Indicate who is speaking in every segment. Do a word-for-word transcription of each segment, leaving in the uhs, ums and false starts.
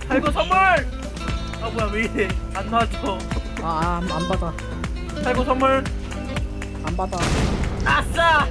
Speaker 1: 살구 선물! 아 뭐야 왜 이래 안 놔줘.
Speaker 2: 아, 안, 안 받아.
Speaker 1: 살구 선물.
Speaker 2: 안 받아.
Speaker 1: 아싸!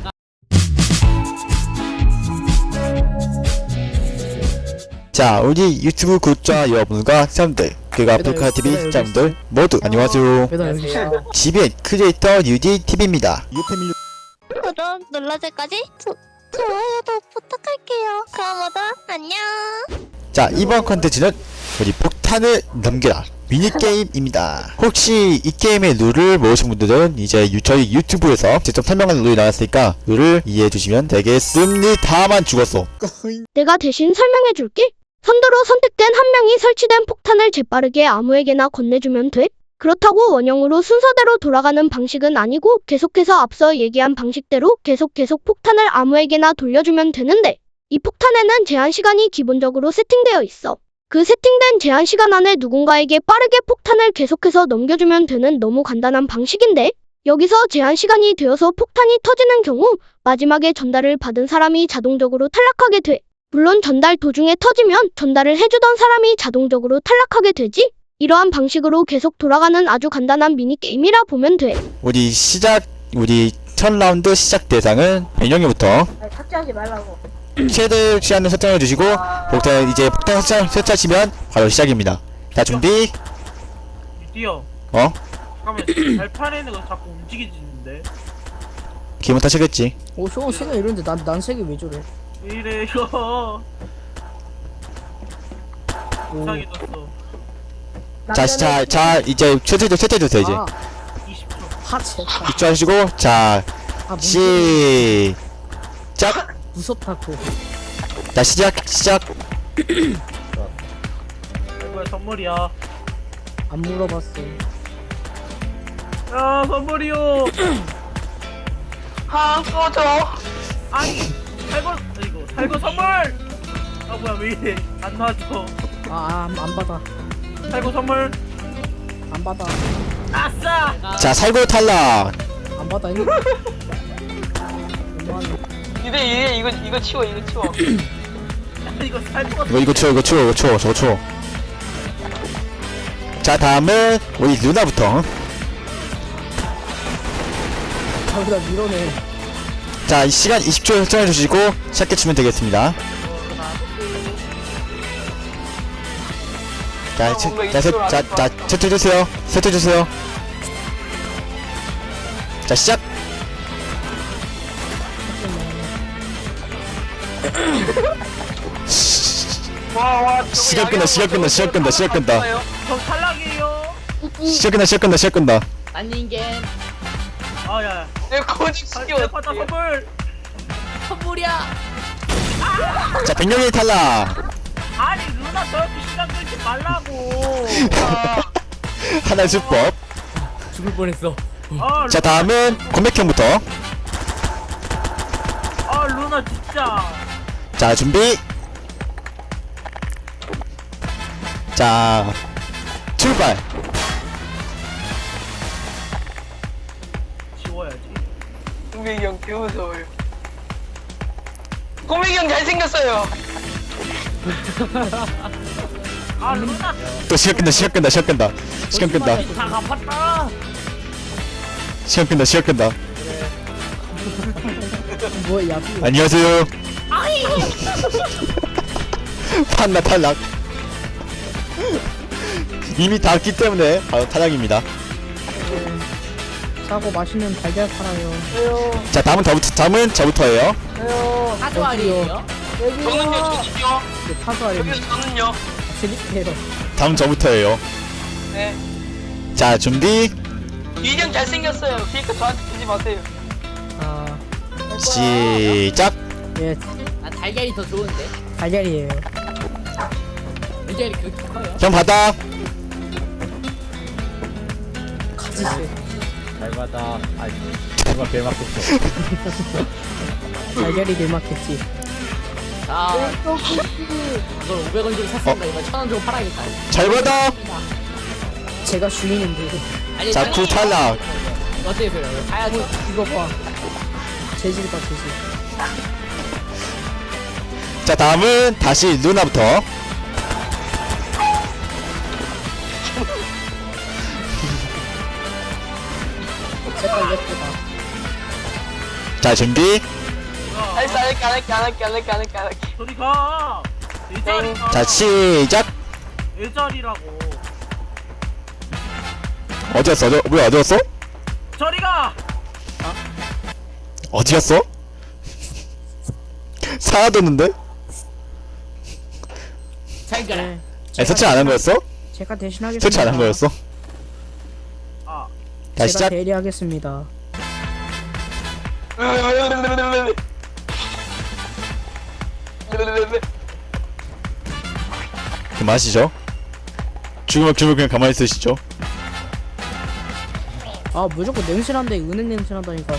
Speaker 3: 자, 우리 유튜브 구독자 여러분과 시청자들, 그리고 아프리카티비 시청자분들 모두 안녕하세요.
Speaker 2: 매달 여기 있어.
Speaker 3: 지비엔 크리에이터 유디티비입니다. 유패밀
Speaker 4: 구독 눌러줄까지? 조, 좋아요도 부탁할게요. 그럼 모두 안녕.
Speaker 3: 자, 이번 컨텐츠는 우리 폭탄을 넘겨라 미니게임입니다. 혹시 이 게임의 룰을 모르신 분들은 이제 유, 저희 유튜브에서 직접 설명하는 룰이 나왔으니까 룰을 이해해 주시면 되겠습니다만 죽었어.
Speaker 5: 내가 대신 설명해줄게. 선두로 선택된 한 명이 설치된 폭탄을 재빠르게 아무에게나 건네주면 돼. 그렇다고 원형으로 순서대로 돌아가는 방식은 아니고 계속해서 앞서 얘기한 방식대로 계속 계속 폭탄을 아무에게나 돌려주면 되는데, 이 폭탄에는 제한 시간이 기본적으로 세팅되어 있어. 그 세팅된 제한 시간 안에 누군가에게 빠르게 폭탄을 계속해서 넘겨주면 되는 너무 간단한 방식인데, 여기서 제한 시간이 되어서 폭탄이 터지는 경우 마지막에 전달을 받은 사람이 자동적으로 탈락하게 돼. 물론 전달 도중에 터지면 전달을 해주던 사람이 자동적으로 탈락하게 되지. 이러한 방식으로 계속 돌아가는 아주 간단한 미니게임이라 보면 돼.
Speaker 3: 우리 시작, 우리 첫 라운드 시작 대상은 변형이부터
Speaker 2: 아니, 삭제하지 말라고.
Speaker 3: 최대 시간을 설정해 주시고 폭탄 이제 폭탄 설정 설치하시면 바로 시작입니다. 자, 준비.
Speaker 1: 뛰어.
Speaker 3: 어?
Speaker 1: 잠깐만 발판에 있는 거 자꾸 움직이지는데.
Speaker 3: 기분 탓이겠지.
Speaker 2: 오, 쇼 시간 이런데 난, 난 색이 왜 저래?
Speaker 1: 왜 이래 이거.
Speaker 2: 오.
Speaker 1: 이상해졌어.
Speaker 3: 자, 자, 자, 이제 최대 설치해 주세요. 이제
Speaker 2: 아,
Speaker 1: 이십 초.
Speaker 2: 하체.
Speaker 3: 입주하시고 자,
Speaker 2: 아, 무,
Speaker 3: 시작.
Speaker 2: 무섭다고.
Speaker 3: 자, 시작, 시작.
Speaker 1: 뭐야 선물이야.
Speaker 2: 안 물어봤어.
Speaker 1: 야 선물이요.
Speaker 6: 아, 꺼져.
Speaker 1: 아니 살구 이거 살구 선물. 아 뭐야 왜 이래 안 놔줘.
Speaker 2: 아, 안, 안 받아.
Speaker 1: 살구 선물.
Speaker 2: 안 받아.
Speaker 1: 아싸!
Speaker 3: 자, 살구 탈락.
Speaker 2: 안 받아. 이거. 너무하네.
Speaker 6: 이제 이제 이거 이거 치워 이거 치워.
Speaker 1: 이거 살구.
Speaker 3: 이거 이거 치워, 이거 치워, 이거 치워, 저거 치워. 자, 다음은 우리 누나부터.
Speaker 2: 자기다 밀어내.
Speaker 3: 자, 이 시간 이십 초 설정해 주시고 시작해 주면 되겠습니다. 자, 자, 자, 자, 자, 자, 설정해 주세요. 설정해 주세요. 자, 시작.
Speaker 6: 와, 와, 저거
Speaker 3: 시간
Speaker 6: 양해하고
Speaker 3: 끈다, 시간 끈다,
Speaker 6: 저거
Speaker 3: 시간 끈다, 시간 끈다.
Speaker 6: 저거
Speaker 1: 저 탈락이에요.
Speaker 3: 시작 끝나, 시작 끝나, 시작 끝나.
Speaker 7: 안닌겐
Speaker 1: 아야.
Speaker 6: 내 고집 시켜.
Speaker 1: 받다 선물.
Speaker 7: 선물이야.
Speaker 3: 자, 백령이 탈락.
Speaker 1: 아니 누나 저렇게 시간 끌지 말라고.
Speaker 3: 하나의 수법.
Speaker 7: 죽을 뻔했어.
Speaker 1: 아,
Speaker 3: 자, 다음은 권백형부터.
Speaker 1: 아 루나 진짜.
Speaker 3: 자, 준비. 자, 출발.
Speaker 1: 지워야지.
Speaker 6: 꼬맹이 형 개무서워요. 꼬맹이 형 잘생겼어요.
Speaker 1: 아 루나
Speaker 3: 또 시간 끝나, 시간 끝나, 시간 끝나. 시간 끝나.
Speaker 1: 다 갚았다.
Speaker 3: 시간 끝나, 시간 끝나.
Speaker 2: 뭐야, 야.
Speaker 3: 안녕하세요. 판나 탈락. 이미 다 왔기 때문에 바로 탈락입니다.
Speaker 2: 사고 맛있는 달걀 팔아요.
Speaker 6: 왜요?
Speaker 3: 자, 다음은 저부터, 다음은 저부터예요.
Speaker 6: 왜요?
Speaker 7: 사조알이에요.
Speaker 6: 저는요, 저는요.
Speaker 2: 그 타수아리.
Speaker 6: 저기요, 저는요.
Speaker 2: 슬리페로.
Speaker 3: 다음 저부터예요.
Speaker 6: 네.
Speaker 3: 자, 준비.
Speaker 6: 이형 잘생겼어요. 그러니까 저한테 주지 마세요.
Speaker 2: 아,
Speaker 3: 시작.
Speaker 2: 예,
Speaker 7: 난 달걀이 더 좋은데.
Speaker 2: 달걀이에요.
Speaker 7: 달걀이 그렇게 커요?
Speaker 3: 형 받아.
Speaker 2: 가지세.
Speaker 8: 잘 받아. 아이, 누가 배 맞겠어.
Speaker 2: 달걀이 내막했지.
Speaker 7: 자, 이걸 오백 원 주고 샀으니까 이거 천 원 주고 팔아야겠다.
Speaker 3: 잘 받아.
Speaker 2: 제가 주인인데.
Speaker 7: 아니,
Speaker 3: 자, 구 탈락.
Speaker 7: 어때요, 그래? 가야죠.
Speaker 2: 이거 봐. 재질 봐, 재질.
Speaker 3: 자, 다음은 다시 누나부터.
Speaker 2: 색깔 예쁘다.
Speaker 3: 자 준비.
Speaker 6: 알았어 안 할게 안 할게 안 할게 안 할게 안 할게 안 할게.
Speaker 1: 저리 가. 내 자리가.
Speaker 3: 자 시작.
Speaker 1: 내 자리라고.
Speaker 3: 어디였어? 어디, 뭐야 어디였어?
Speaker 1: 저리 가.
Speaker 3: 어디였어? 사라졌는데?
Speaker 7: 잘 가라.
Speaker 2: 네.
Speaker 3: 아니 설치 안 한 거였어?
Speaker 2: 제가 대신하겠습니다.
Speaker 3: 설치 안 한 거였어?
Speaker 1: 아.
Speaker 3: 자
Speaker 2: 제가
Speaker 3: 시작.
Speaker 2: 대리하겠습니다.
Speaker 3: 그만하시죠. 죽으면 죽으면 그냥 가만히 있으시죠.
Speaker 2: 아 무조건 냄새 난다. 은행 냄새 난다니까.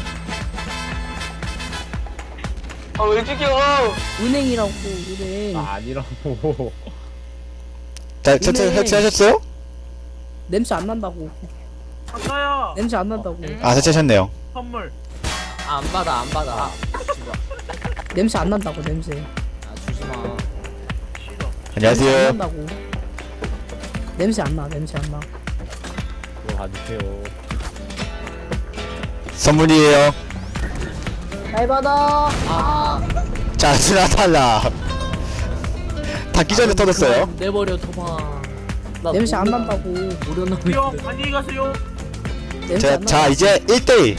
Speaker 6: 아왜 죽여?
Speaker 2: 은행이라고 은행.
Speaker 8: 아, 아니라고.
Speaker 3: 자 설치
Speaker 2: 네.
Speaker 3: 설치하셨어요?
Speaker 2: 냄새 안 난다고.
Speaker 1: 아까야.
Speaker 2: 냄새 안 난다고.
Speaker 3: 아 설치하셨네요.
Speaker 1: 선물.
Speaker 7: 아, 안 받아, 안 받아. 주지 마.
Speaker 2: 냄새 안 난다고 냄새.
Speaker 7: 아, 주지 마.
Speaker 1: 싫어.
Speaker 2: 냄새 안
Speaker 3: 안녕하세요.
Speaker 2: 난다고. 냄새 안 나. 냄새 안 나.
Speaker 8: 그거 봐주세요.
Speaker 3: 선물이에요.
Speaker 2: 잘 받아.
Speaker 7: 아,
Speaker 3: 자 스나 탈락. 닫기 전에 터졌어요.
Speaker 7: 그만 내버려 둬봐. 나
Speaker 2: 냄새 안
Speaker 7: 모르-
Speaker 2: 난다고.
Speaker 7: 모르는
Speaker 1: 형 안녕히 가세요.
Speaker 2: 냄새
Speaker 3: 자,
Speaker 2: 안
Speaker 3: 자
Speaker 2: 난다고.
Speaker 3: 이제 일 대일.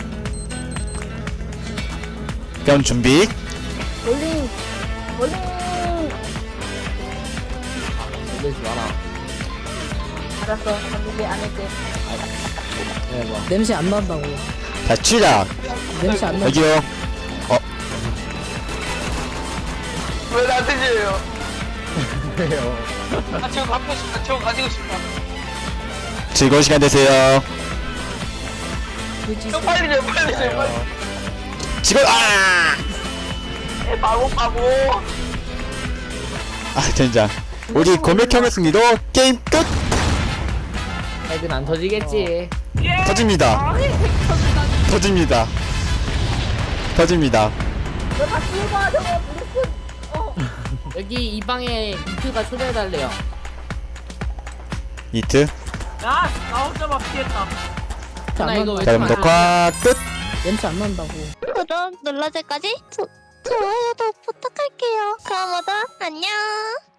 Speaker 3: 그럼 준비.
Speaker 2: 볼링. 볼링.
Speaker 7: 놀리지 마라.
Speaker 2: 알았어. 한국에 안 할게.
Speaker 7: 해봐.
Speaker 2: 냄새 안 난다고.
Speaker 3: 자 취락.
Speaker 2: 냄새 안 난다.
Speaker 3: 여기요.
Speaker 6: 왜 나한테 지어요?
Speaker 8: 왜요?
Speaker 6: 아 저거 갖고 싶다 저거 가지고 싶다.
Speaker 3: 즐거운 시간 되세요.
Speaker 2: 그지.
Speaker 6: 저 빨리 줘 빨리 줘 빨리.
Speaker 3: 지금 아.
Speaker 6: 에 바보 바보.
Speaker 3: 아 젠장. 우리 고백형의 승리로 게임 끝.
Speaker 7: 핵은 안 터지겠지.
Speaker 1: 예.
Speaker 3: 터집니다. 터집니다. 터집니다.
Speaker 7: 여기 이 방에 이트가 초대해달래요.
Speaker 3: 이트.
Speaker 1: 야, 나 혼자 막 피했다.
Speaker 7: 나 이거 왜
Speaker 3: 자 그럼
Speaker 7: 이렇게
Speaker 3: 녹화 끝.
Speaker 2: 냄새 안 난다고.
Speaker 4: 그럼 놀라제까지 조, 좋아요도 부탁할게요. 그럼 모두 안녕.